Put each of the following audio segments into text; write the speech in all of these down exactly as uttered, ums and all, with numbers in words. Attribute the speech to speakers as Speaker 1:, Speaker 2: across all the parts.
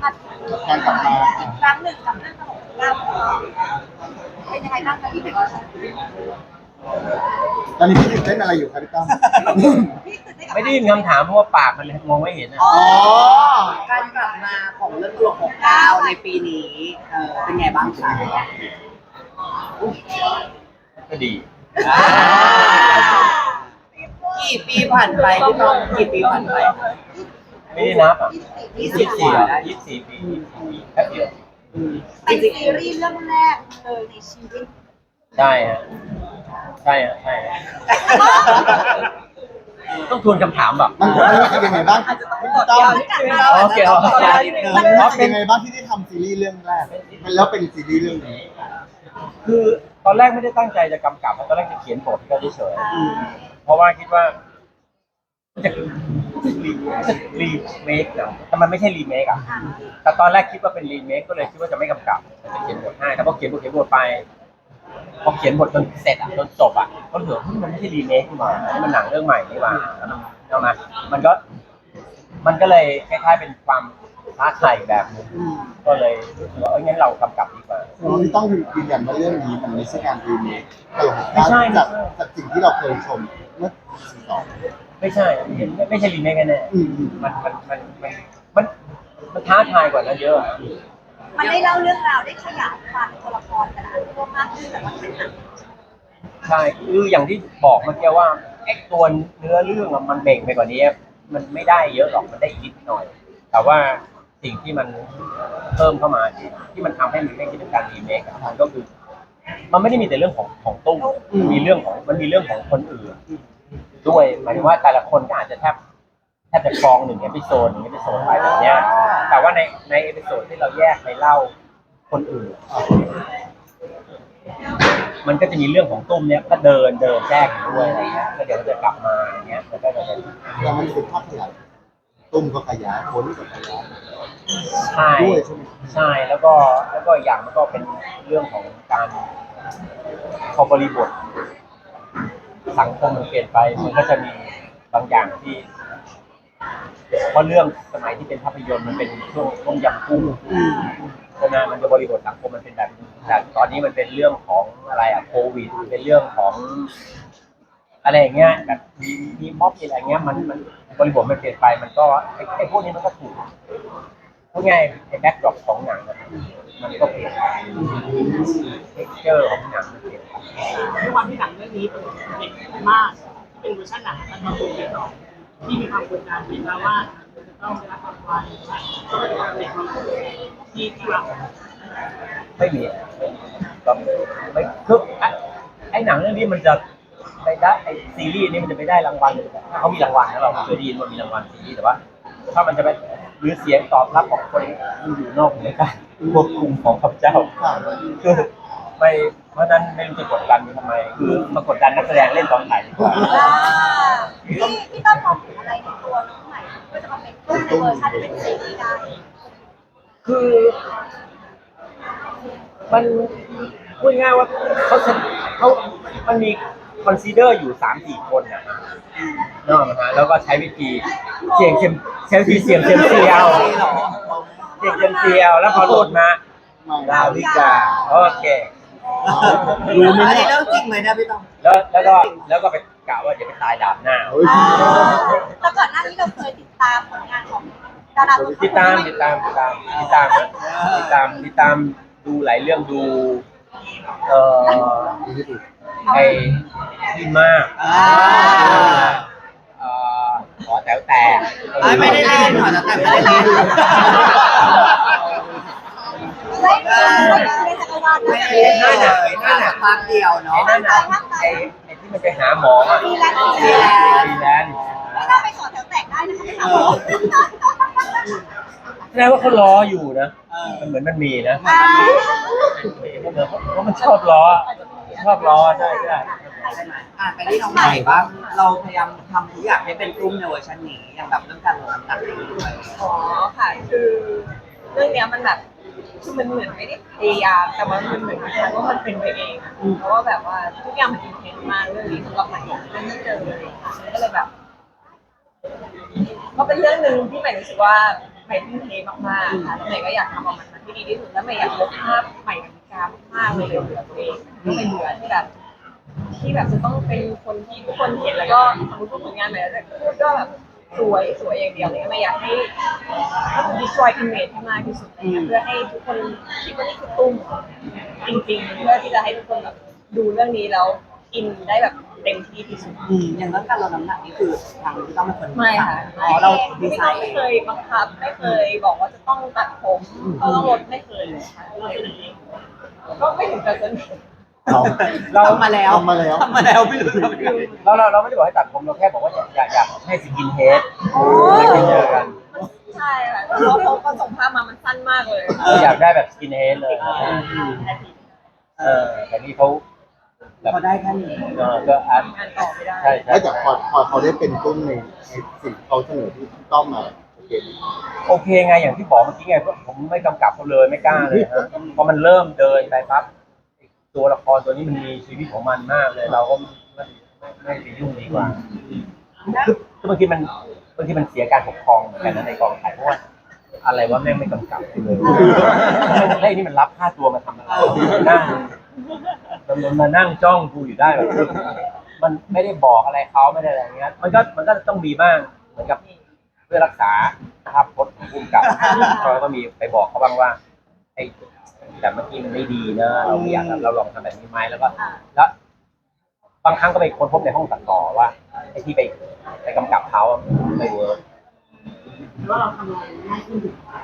Speaker 1: การกลับมา
Speaker 2: อีกครั้งหนึ่งกับเรื่องตลกเล่าเป็นยังไงบ้างคะพี่เด็ก
Speaker 1: ตอนนี้พี่ตื่นเต้นอะไรอยู่ครับพี่ตั้ม
Speaker 2: พี่ตื่นเต้นกับ
Speaker 3: ไม่ได้ยินคำถามเพราะว่าปากมันมองไม่เห็นอ่ะ
Speaker 1: อ๋อ
Speaker 4: การกลับมาของเรื่องตลกของก้าวในปีนี้เออเป็นไงบ้างคะ
Speaker 3: ก็ดี
Speaker 4: กี่ปีผ่านไปพี่ต้องกี่ปีผ่านไป
Speaker 3: ไม่ได้นับอ่ะ
Speaker 4: ยี่
Speaker 3: ยี่
Speaker 4: สิ
Speaker 3: สิ
Speaker 4: บบ ก
Speaker 3: สี่
Speaker 4: ว่าได้
Speaker 3: ยี่สิบสี่ปียี่สิบสี่ปีแป๊บเดียว
Speaker 2: เป็นซีรีส์เรื่องแรกเลยในชีวิต
Speaker 3: ใช่ฮะใช่ฮะใช่ฮะต้องทวนคำถามแบบ
Speaker 1: มันมันรู้สึกยังไงบ้างพี่ตั้ม
Speaker 3: โอเคโอเค
Speaker 1: มันรู้สึกยังไงบ้างที่ได้ทำซีรีส์เรื่องแรกมันแล้วเป็นซีรีส์เรื่องนี้
Speaker 3: คือตอนแรกไม่ได้ตั้งใจจะกำกับตอนแรกจะเขียนบทก็เฉยๆเพราะว่าคิดว่าจะจะรีเมคนะแต่มันไม่ใช่รีเมคอ่ะแต่ตอนแรกคิดว่าเป็นรีเมคก็เลยคิดว่าจะไม่กำกับจะเขียนบทให้แต่พอเขียนบทเขียนบทไปพอเขียนบทจนเสร็จอ่ะจนจบอ่ะก็เหลือที่มันไม่ใช่รีเมคนี่หว่ามันหนังเรื่องใหม่นี่หว่าแล้วมันเอามามันก็มันก็เลยคล้ายๆเป็นความท้าทายแบบนึงก็เลยรู้สึกว่าเอ้ยงั้นเรากำกับดีกว่า
Speaker 1: พี่ต้องยืนยันว่าเรื่องนี้มันไม่ใช่การรีเมคตลก
Speaker 3: ไม่ใช่
Speaker 1: จากจากสิ่งที่เราเคยชมเมื่อสี่สอง
Speaker 3: ไม่ใช่ไม่ไม่ใช่รีเมคแน่
Speaker 1: อืมอืม
Speaker 3: ๆมันมันมันมันมันมันท้าทายกว่านั้นเยอะ
Speaker 2: มันได้เล่าเรื่องราวได้ขยายความตัวละครแต่ละตัวมากขึ้นแต่ว่าเป็นหนัง
Speaker 3: ใช่คืออย่างที่บอกเมื่อกี้ว่าไอ้ตัวเนื้อเรื่องอะมันเบ่งไปกว่านี้มันไม่ได้เยอะหรอกมันได้นิดหน่อย แต่ว่าสิ่งที่มันเพิ่มเข้ามาที่ที่มันทำให้มันไม่คิดถึงการรีเมคอะมันก็คือ มันไม่ได้มีแต่เรื่องของของตุ้มมันมีเรื่องของมันมีเรื่องของคนอื่นด้วยหมายถึงว่าแต่ละคนก็อาจจะแทบแทบจะครองหนึ่งเอพิโซดหนึ่งเอพิโซดไปแบบเนี้ยแต่ว่าในในเอพิโซดที่เราแยกไปเล่าคนอื่น มันก็จะมีเรื่องของตุ้มเนี้ยก็เดินเดินแทรกอยู่ด้วยอะไรเงี้ยแล้วเดี๋ยวมันจะกลับมาอย่างเงี้ยมันก็จะเป็น
Speaker 1: แล้วมันเป็นภาพขยายตุ้มก็ขยายคนก็ขยาย
Speaker 3: ใช่
Speaker 1: ด้วยใช่ไหม
Speaker 3: ใช่แล้วก็แล้วก็อย่างมันก็เป็นเรื่องของการพอบริบทสังคมมันเปลี่ยนไปมันก็จะมีบางอย่างที่เพราะเรื่องสมัยที่เป็นภาพยนตร์มันเป็นช่วงต้มยำกุ้งใช่ไหมมันจะบริบทสังคมมันเป็นแบบแต่ตอนนี้มันเป็นเรื่องของอะไรอะโควิดเป็นเรื่องของอะไรอย่างเงี้ยแบบมีมีม็อบมีอะไรเงี้ยมันมันบริบทมันเปลี่ยนไปมันก็ไอ้ไอ้พวกนี้มันก็ถูกพูดง่ายไอ้แบ็คดรอปของหนังมันมันก็เปลี่ยนไปเท็กเจอร์ของหนังมันเปลี่ยนไป
Speaker 5: ด้วยความที่หนังเรื่องนี้เป็นเด็กมากที่เป็นเวอร์ชันหนังมันมาคุยกันต่อที่มีความกดดันเห็นแล้วว่าจะต้องได้รับรางวัลเด็กที่ที่เรา
Speaker 3: ไม่มีก็ไม่คือไอ้ไอ้หนังเรื่องนี้มันจะไปได้ไอ้ซีรีส์นี้มันจะไปได้รางวัลถ้าเขามีรางวัลนะเราเคยได้ยินว่ามีรางวัลซีรีส์แต่ว่า ถ้ามันจะไปหรือเสียงตอบรับของคนที่อยู่นอกเหนือการควบคุมของข้าพเจ้าคือไม่เพราะนั้นไม่รู้จะกดดันทำไมคือมากดดันนักแสดงเล่นตอนไหนดีกว่า
Speaker 2: พี่พี่ต้องมองถึงอะไรในตัวน้องใหม่เพื่อจะมาเป็นตุ้มในเวอร์ชันที่เป็นซีรีส์ได้
Speaker 3: คือมันพูดง่ายว่าเขาเขามันมีคอนซีเดอร์อยู่สามสี่คนนะนอกนะฮะแล้วก็ใช้วิธีเสี่ยงเซมใช้วิธีเสี่ยงเซมเซียวเสี่ยงเซมเซียวแล้วพอโหลดมาดาววิกาโอเค
Speaker 1: รู้ไหม
Speaker 4: อัน
Speaker 1: เนี่
Speaker 4: นี้
Speaker 1: ย
Speaker 4: เรื่องจริงเลยนะพี่ต้อง
Speaker 3: แล้วแล้วก็แล้วก็ไปกล่าวว่าจะไปตายดาบหน้า
Speaker 1: เฮ้ย
Speaker 2: แล้วก่อนหน้านี้เราเคยติดตามผลงานของดาราตัว
Speaker 3: ติดตามติดตามติดตามติดตามนะติดตามติดตามดูหลายเรื่องดูเอ่อไอ้ที่มาก
Speaker 4: อ่า
Speaker 3: เอ่อขอแต๋วแต่
Speaker 4: ไม่ได้เล่นหรอแต่ไม่ได้เล่น
Speaker 2: ไม่เคยในจักรวาล
Speaker 4: ไม่
Speaker 2: นะ
Speaker 4: ได้เล่นเลยน่าจะพักเดียว
Speaker 3: ไอ้
Speaker 4: เนาะ
Speaker 3: นั่นน่ะไอ้ไอ้ที่มันไปหาหมออะ
Speaker 2: ฟรีแลนซ์
Speaker 3: ฟรีแลนซ์
Speaker 2: ไม่น่าไปสอนแถวแตกได้นะคะไม่ถามหมอ
Speaker 3: แสดงว่าเขาล้ออยู่นะมันเหมือนมันมีนะ
Speaker 2: อ่า
Speaker 3: เพราะมันชอบล้อชอบล้อใช่ใช่
Speaker 4: ใช่ไหมอ่ะไปที่น้องใหม่บ้างเราพยายามทำทุกอย่างให้เป็นรุ่มในเวอร์ชันนี้อย่างแบบเรื่องการลดน้ำหนักอะไรด้วย
Speaker 6: อ๋อค่ะคือเรื่องเนี้ยมันแบบคือมันเหมือนไม่ได้พยายามแต่ว่ามันเหมือนคล้ายๆว่ามันเป็นไปเองอะเพราะว่าแบบว่าทุกอย่างมันอินเทนส์มากเรื่องนี้สำหรับใหม่เรื่องที่เจอเลยค่ะก็เลยแบบก็เป็นเรื่องหนึ่งที่ใหม่รู้สึกว่าใหม่ทุ่มเทมากๆค่ะแล้วใหม่ก็อยากทำออกมาที่ดีที่สุดแล้วใหม่อยากลบภาพใหม่กับมิกามากๆเลยเบื่อตัวเองก็ไม่เบื่อที่แบบที่แบบจะต้องเป็นคนที่ทุกคนเห็นแล้วก็สมมติพูดผลงานใหม่แล้วพูดก็แบบสวยสวยอย่างเดียวเลยไม่อยากให้ destroy image ให้มากที่สุดเลยเพื่อให้ทุกคนคิดว่านี่คือตุ้มจริงๆเพื่อที่จะให้ทุกคนแบบดูเรื่องนี้แล้วอินได้แบบเต็มที่ที่สุด
Speaker 4: อืมอย่างเรื่องการลดน้ำหนักนี่คือทางที่ต้องเป็นคน
Speaker 6: ไม่ค่ะ
Speaker 4: อ๋อเราดี
Speaker 6: ไม่
Speaker 4: ไซ
Speaker 6: ต้อง
Speaker 4: น์
Speaker 6: ไม่เคยบังคับไม่เคยบอกว่าจะต้องตัดผมก็ต้องลดไม่เคยเลยค่ะก็ไม่ถึงกับสนิท
Speaker 1: เรา
Speaker 3: เรา
Speaker 4: ทำมาแล้ว
Speaker 1: ทำมาแล้ว
Speaker 4: ทำมาแล้วไม่รู้ทำไม่รู้
Speaker 3: เราเราเราไม่ได้บอกให้ตัดผมเราแค่บอกว่าอยากอยากอยากให้สกินเฮดไม่เจอกัน
Speaker 6: ใช่ค่ะเพราะเขาก็ส่งภาพมามันสั้นมากเลย
Speaker 3: เราอยากได้แบบสกินเฮดเลยเออแต่นี่เขาแบบ
Speaker 4: พอได้แค่นี้
Speaker 3: เออก็อาร์ต
Speaker 6: ทำงานต่อไม่ได้
Speaker 3: ใช่ใช่
Speaker 1: แล้วแต่พอพอเขาได้เป็นตุ้มในในสิ่งที่เขาเสนอที่ต้องมาโอเค
Speaker 3: โอเคไงอย่างที่บอกเมื่อกี้ไงผมไม่กำกับเขาเลยไม่กล้าเลยฮะพอมันเริ่มเดินไปปั๊บตัวละครตัวนี้มันมีชีวิตของมันมากเลย เราก็ไม่ไม่ไม่ไปยุ่งดีกว่าคือคือบางทีมันบางทีมันเสียการปกครองเหมือนกันนะในกองถ่ายเพราะว่าอะไรว่าแม่งไม่กำกับเลยไอ้นี่มันรับค่าตัวมาทำอะไรนั่งมันมานั่งจ้องกูอยู่ได้แบบมันไม่ได้บอกอะไรเขาไม่ได้อะไรเงี้ยมันก็มันก็ต้องมีบ้างเหมือนกับเพื่อรักษาภาพพจน์ของภูมิกับเราก็มีไปบอกเขาบ้างว่าไอ้แต่เมื่อกี้มันไม่ดีนะเราไม่อยากเราลองทำแบบนี้ไหมแล้วก็แล้วบางครั้งก็ไปค้นพบในห้องตัดต่อว่าไอ้ที่ไปไปกำกับเขาไม่เวิร์ก
Speaker 5: ว่าเราทำงานง่ายขึ้น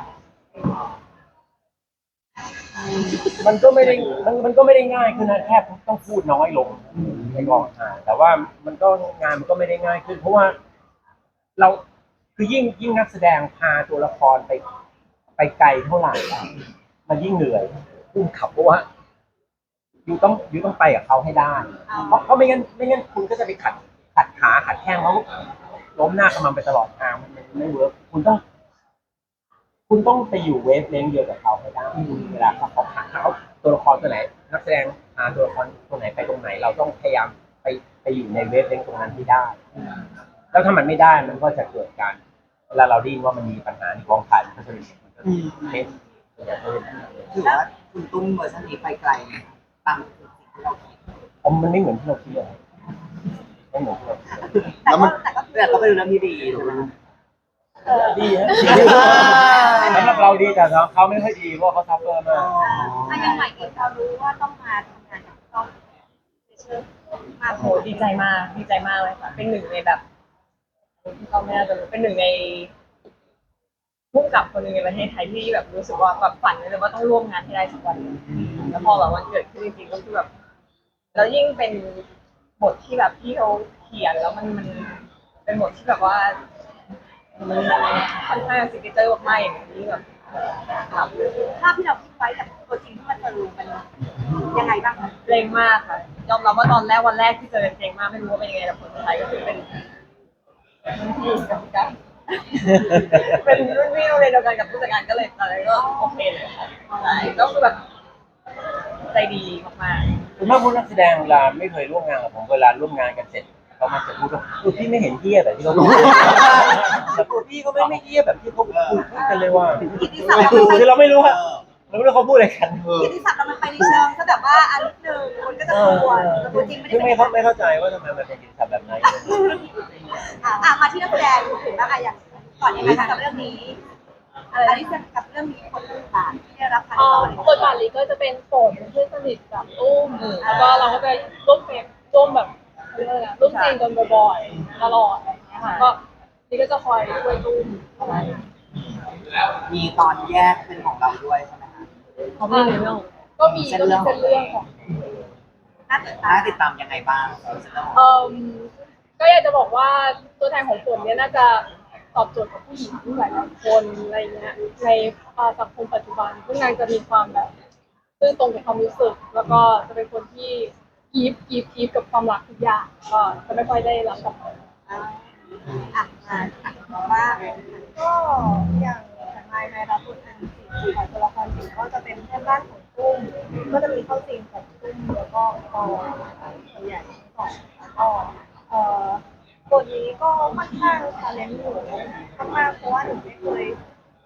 Speaker 3: มันก็ไม่ได้มันมันก็ไม่ได้ง่ายขึ้นนะแค่ต้องพูดน้อยลงในกองถ่ายแต่ว่ามันก็งานมันก็ไม่ได้ง่ายขึ้น เพราะว่าเราคือยิ่งยิ่งนักแสดงพาตัวละครไปไปไกลเท่าไหร่มันยิ่งเหนื่อยพุ่งขับเพราะว่าอยู่ต้องอยู่ต้องไปกับเขาให้ได้เพราะเพราะไม่งั้นไม่งั้นคุณก็จะไปขัดขัดขาขัดแข้งเขาล้มหน้าขมันไปตลอดทางมันไม่เวิร์กคุณต้อง คุณต้องไปอยู่เวฟเลนเดียวกับเขาให้ได้เวลาเขาเขาหาเขาตัวละครตัวไหนนักแสดงหาตัวละครตัวไหนไปตรงไหน เราต้องพยายามไปไปอยู่ในเวฟเลนตรงนั้นให้ได้ แล้วถ้ามันไม่ได้มันก็จะเกิดการเวลาเราดิ้นว่ามันมีปัญหาในกองถ่ายมันก็จะมีมันก็เล่น
Speaker 4: ถือว่าคุณตุ้มเวอร์ชันนี้ไปไกลไหมตามสิ่งที่เราคิด
Speaker 3: ผมมันไม่เหมือนที่เราคิดเลยไม่เหมือนที่เราคิด
Speaker 2: แต่ว่าแต่ก็
Speaker 4: แต่ก็เป็นเรื่องที่ดีถูกไหม
Speaker 3: ดีฮะสำหรับเราดีแต่เขาไม่ค่อยดีเพราะเขาซัฟเฟอร์มาก
Speaker 2: อันยังใหม่เองพอรู้ว่าต้องมาทำงานกับต้องเชื่อมา
Speaker 6: โหดีใจมากดีใจมากเลยค่ะเป็นหนึ่งในแบบที่เราไม่น่าจะรู้เป็นหนึ่งในผู้กำกับคนหนึ่งในประเทศไทยที่แบบรู้สึกว่าแบบฝันเลยว่าต้องร่วมงานให้ได้สักวันหนึ่งแล้วพอแบบวันเกิดขึ้นจริงๆก็คือแบบแล้วยิ่งเป็นบทที่แบบที่เขาเขียนแล้วมันมันเป็นบทที่แบบว่ามันค่อนข้างซิกเนเจอร์มากๆอย่างนี้แบบครับ
Speaker 2: ภาพที่เราคิดไว้กับตัวจริงที่มันเจอมันยังไงบ้างคะ
Speaker 6: เกรงมากค่ะยอมรับว่าตอนแรกวันแรกที่เจอเกรงมากไม่รู้ว่าเป็นยังไงแต่ผลสุดท้ายก็คือเป็นรุ่นพี่กับพี่กันเป็นรุ่นพี่โรงเรียนเดียวกันกับผู้จัดการก็เลยตอนนั้นก็โอเคเลยค่ะใช่ก็คือแบบใจดีมากๆ
Speaker 3: คุณแม่พูดนักแสดงเวลาไม่เคยร่วมงานกับผมเวลาร่วมงานกันเสร็จเขามาจะพูดว่าคือพี่ไม่เห็นเหี้ยแบบที่เขาพูดแต่ตัวพี่ก็ไม่ไม่เหี้ยแบบที่เขาพูดพูดกันเลยว่า
Speaker 2: กิตติศัพท์เรามันไป
Speaker 3: คือเราไม่รู้ว่าเราไม่รู้เขาพูดอะไรกัน
Speaker 1: เออ
Speaker 2: กิตติศัพท์เรามันไปในเชิงก็แบบว่าอันหนึ่งคนก็จะกลัวแต่ตัวจริงไม่ได้
Speaker 3: คือ
Speaker 2: เป็
Speaker 3: ไม่
Speaker 2: น
Speaker 3: เข้าไม่เข้าใจว่าทำไมมันเป็นกิจกรรมแบบไหน
Speaker 2: อ่ะอ่ะมาที่นักแสดงถึงว่าอะอย่างก่อนยังไงคะกับเรื่องนี้อะไรที่กับเรื่องนี้คนต่างๆที่ได้รับการ
Speaker 7: เอ่
Speaker 2: ต่
Speaker 7: อ
Speaker 2: อ
Speaker 7: บทบาทนี้ก็จะเป็นฝนเพื่อนสนิทกับตุ้มแล้วก็เราก็จะร่วมเฟรมร่วมแบบเรื่องอะไรนะร่วมซีนกันบ่อยๆตลอดอะไรอย่างเงี้ยค่ะก็นี่ก็จะคอยช่วยตุ้มอะไร
Speaker 4: มีตอนแยกเป็นของเราด้วยใช่ไหมคะ
Speaker 7: เขาไม่ในเรื่องก็มีก็มีเส้นเรื่องของ
Speaker 2: น่าติดตา
Speaker 4: น่าม ติดตามยังไงบ้างเรื่องของ
Speaker 7: เอ่อก็อยากจะบอกว่าตัวแทนของฝนเนี่ยน่าจะตอบโจทย์กับผู้หญิงหลายๆคนอะไรเงี้ยในสังคมปัจจุบันซึ่งนางจะมีความแบบซื่อตรงกับความรู้สึกแล้วก็จะเป็นคนที่กีฟกีฟกีฟกับความรักทุกอย่างก็จะไม่ค่อยได้รับกลับมา
Speaker 2: อ่ะอ่ะมาอ่ะบอกว่า
Speaker 8: ก็อย่างแต่ไมในรับบทเป็นสีของตัวละครสีก็จะเป็นเพื่อนบ้านของตุ้มก็จะมีเข้าซีนของตุ้มแล้วก็ปอตัวใหญ่สองแล้วก็เอ่อบทนี้ก็ค่อนข้างชาเลนจ์หนูมากๆเพราะว่าหนูไม่เคย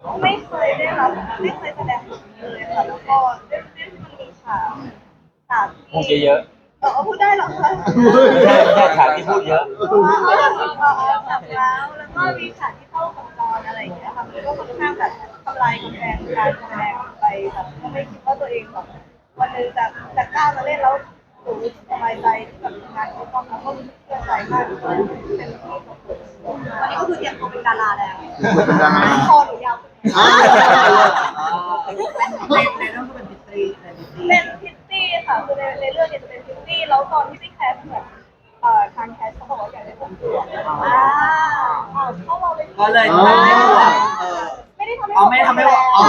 Speaker 8: ไม่เคยได้รับไม่เคยแสดงบทนี้เลยค่ะแล้วก็ด้วยด้วยที่มันมีฉากฉาก
Speaker 3: พูด
Speaker 8: ที่
Speaker 3: เยอะ
Speaker 8: เออพูดได้เหรอคะ
Speaker 3: ๆไม่ใช่ไม่ใช่ฉากที่พูดเยอะ
Speaker 8: เออฉากแล้วแล้วก็มีฉากที่เข้ากับตอนอะไรอย่างเงี้ยค่ะมันก็ค่อนข้างแบบทำลายกำแพงการแสดงไปแบบก็ไม่คิดว่าตัวเองแบบวันหนึงจะจะกล้ามาเล่นแล้วหนูรู้สึกสบายใจที่แบบงานที่ต้องแล้วก็รู้สึกเชื่อใจมากที่เป็นที่ของผม
Speaker 2: วันนี้ก็คือเตรียมตัวเป็นดาราแล้ว
Speaker 1: เป็นดารา
Speaker 8: คอหนูยาว
Speaker 1: อ่า
Speaker 4: ในในเรื่องก็เป็นพิตรีเป็นพิตรี
Speaker 8: เป็นพิตตี้ค่ะคือในในเรื่องเนี่ยจะเป็นพิตตี้แล้วตอนที่ไปแคสเหมือนเอ่อทางแคสเขาบอกว่าอยากได้ผมสวยอ่าเข้ามาเป็น
Speaker 4: ก็เลยทำให้บวกเออ
Speaker 8: ไม่ได้ทำให้
Speaker 4: อ๋อไม่ได้ทำให้บวกอ๋อ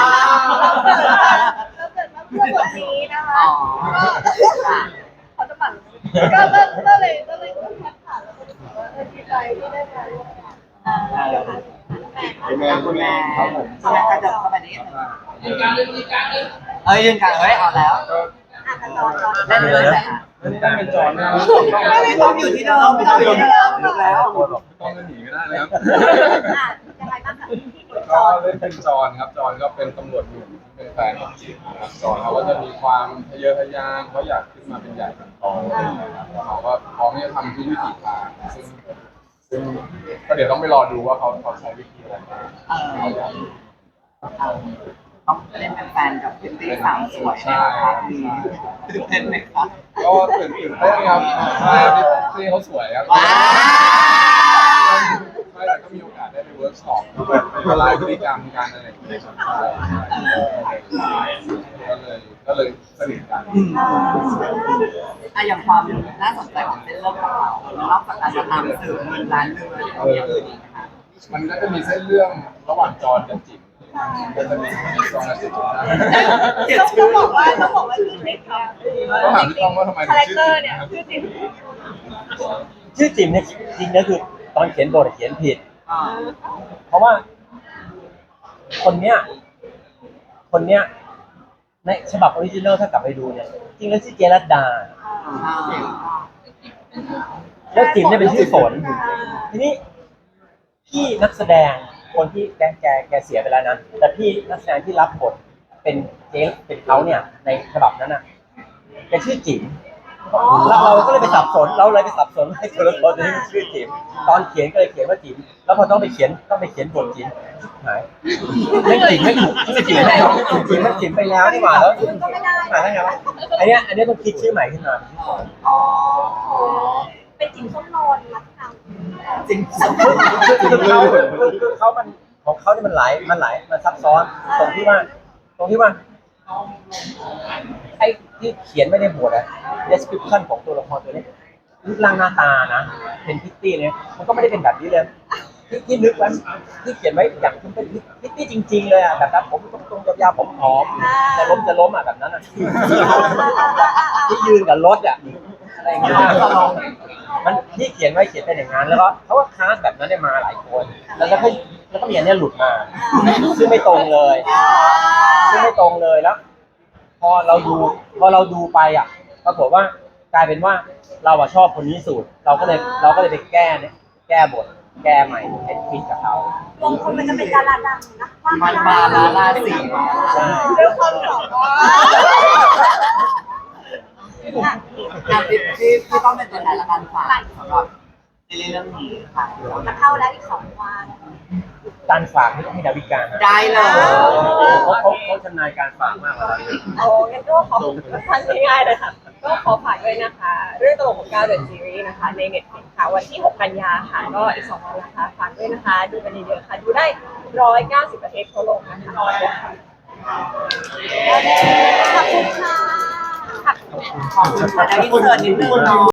Speaker 8: เราเกิดมาเพื่อบทนี้นะคะ
Speaker 4: อ๋อ
Speaker 8: เขาจะปั่นก็ก็ก็เลยก็เลยแคสผ่านแล้วก็รู้สึกว่าเออดีใจที่ได้มาร่วมงาน
Speaker 1: เป็นแม่คุณแม่
Speaker 4: ครับผมใช่ไหมคะจะเข้าไปนี้เอ้ยยืนกลางเฮ้ยเอาแล้ว
Speaker 2: อ่ะจอนจอน
Speaker 4: เล่นเลยค่ะ
Speaker 9: ได้เป็นจอนนะครับ
Speaker 4: ไม่ต้องอยู่ที่เดิมไม่ต้องอยู่ที่เดิมลุกแล้ว
Speaker 9: ต้องจะหนีไม่ได้แล้ว
Speaker 2: อ่ะยังไงบ้างคะที่จ
Speaker 9: ก็
Speaker 2: อน
Speaker 9: เล่นเป็นจอนครับจอนก็เป็นตำรวจหนุ่มที่เป็นแฟนของจิ๋วนะครับจอนเขาก็จะมีความทะเยอทะยานเขาอยากขึ้นมาเป็นใหญ่เป็นโตนะครับแล้วเขาก็พร้อมที่จะทำทุกวิถีทางซึ่งซึ่งก็เดี๋ยวต้องไปรอดูว่าเขาเขาใช้วิธีอะไรบ้าง
Speaker 4: เออต้องเล่นเป็นแฟนกับพิตตี้สาวสวย
Speaker 9: ใช่
Speaker 4: นะครับตื่นเต้นไหมครับ
Speaker 9: ก็ตื่นตื่นเต้นครับใช่ที่ที่เขาสวยครับ
Speaker 4: ว้าว
Speaker 9: ไม่แต่ก็มีโอกาสได้ไปเวิร์กช็อปไปละลายพฤติกรรมกันอะไรอย่างเงี้ยครับใช่ใช่ก็เลยก็เลยสนิทกัน
Speaker 4: อะอย่างความน่าสนใจของเส้นเรื่องของเรานอกจากการจะตามสืบเงินล้านเรื่องแล้วมีอย่างอื่นอีกไหมคะ
Speaker 9: มันก็จะมีเส้นเรื่องระหว่างจอนกับจิ๋มก็จะมีจอนกับจิ๋มนะ
Speaker 8: ต้องต้องบอกว่าต้องบอกว่าชื่อจริงค่ะ
Speaker 9: ก็ถามพี่ต้องว่าทำไมถึ
Speaker 8: คาง แรค
Speaker 9: ชื่อ
Speaker 8: เตอ
Speaker 9: จิ๋
Speaker 8: ร์
Speaker 9: ม
Speaker 8: เนี่ย
Speaker 9: นะครับ
Speaker 8: ชื่อจริง
Speaker 3: ชื่อจิ๋มเนี่ยจริงๆนะคือตอนเขียนบทเขียนผิด
Speaker 4: อ่า
Speaker 3: เพราะว่า คนเนี้ย คนเนี้ยในฉบับออริจินัลถ้ากลับไปดูเนี่ยจริงแล้วชื่อเจรัตดา
Speaker 4: อ่า
Speaker 3: แล้วจิ๋มเนี่ยเป็นชื่อฝน ทีนี้พี่นักแสดงคนที่แกแกแกเสียไปแล้วนะแต่พี่นักแสดงที่รับบทเป็นเจ๊เป็นเขาเนี่ย ในฉบับนั้นน่ะแกชื่อจิ๋มแล้วเราก็เลยไปสับสน เราเลยไปสับสนให้ตัวละครตัวนี้มันชื่อจิ๋มตอนเขียนก็เลยเขียนว่าจิ๋มแล้วพอต้องไปเขียนต้องไปเขียนบทจิ๋มหายไม่จิ๋มไม่ถูกไม่จิ๋มไม่ถูกจิ๋มมันจิ๋มไปแล้วนี่หว่าแล้ว
Speaker 2: ก็ไม่ได้
Speaker 3: หาได้ไงวะอันเนี้ยอันเนี้ยต้องคิดชื่อใหม่ขึ้นมา
Speaker 2: อ๋อเป็นจิ๋มส้มนอนรักทาง
Speaker 4: จริง
Speaker 3: คือเขาคือคือเขามันของเขาเนี่ยมันหลายมันหลายมันซับซ้อนตรงที่ว่า ตรงที่ว่าไอ้ที่เขียนไม่ได้บทอะ description ของตัวละครตัวนี้รูปร่างหน้าตานะเป็นพิตตี้เนี่ยมันก็ไม่ได้เป็นแบบนี้เลยที่ที่นึกไว้ที่เขียนไว้อย่างมันเป็นพิตตี้จริง ๆ เลยอะแบบนั้นผมตรงๆยาวๆผมหอมจะล้มจะล้มอะแบบนั้นอะที่ยืนกับรถอะอะไรอย่างเงี้ยมันที่เขียนไว้เขียนเป็นอย่างนั้นแล้วก็เขาก็คาสแบบนั้นได้มาหลายคนแล้วก็แล้วก็มีอันเนี้ยหลุดมาซึ่งไม่ตรงเลยซึ่งไม่ตรงเลยแล้ว พอเราดูพอเราดูไปอ่ะปรากฏว่ากลายเป็นว่าเราอะชอบคนนี้สุดเราก็เลยเราก็เลยไปแก้เนี่ยแก้บทแก้ใหม่ให้ฟิตกับเขา
Speaker 2: บางคนมันจะเป็นดาราดังนะว่า
Speaker 4: มันมาลาลาสีมา
Speaker 3: ใช่
Speaker 8: เรื่องความสองว่า
Speaker 2: อ่ะ
Speaker 4: อ่ะพี่พี่พี่ต้องเป็นตัวแทนละกันฝากสำหรับในเรื่องนี้ค่ะ
Speaker 2: จะเข้าแล้วอีกสองวัน
Speaker 3: การฝากไม่ต้องให้ดาวิกานะ
Speaker 4: ได้เลย
Speaker 3: เขาเขาเขาชำนาญการฝากมากกว่าเราเยอะ
Speaker 6: โอ้งั้นก็ขอทันง่ายๆเลยค่ะ ก็ขอฝากด้วยนะคะ เรื่องตลกของก้าวเดอะซีรีส์นะคะ ในเน็ตฟลิกซ์ค่ะ วันที่หกกันยาค่ะ ก็อีกสองวันนะคะ ฝากด้วยนะคะ ดูกันเยอะๆค่ะ ดูได้หนึ่งร้อยเก้าสิบประเทศทั่วโลกนะคะ
Speaker 2: ขอบคุณค่ะ
Speaker 4: ขอบคุณค่ะได้อินเสิร์ตนิดนึงเนาะ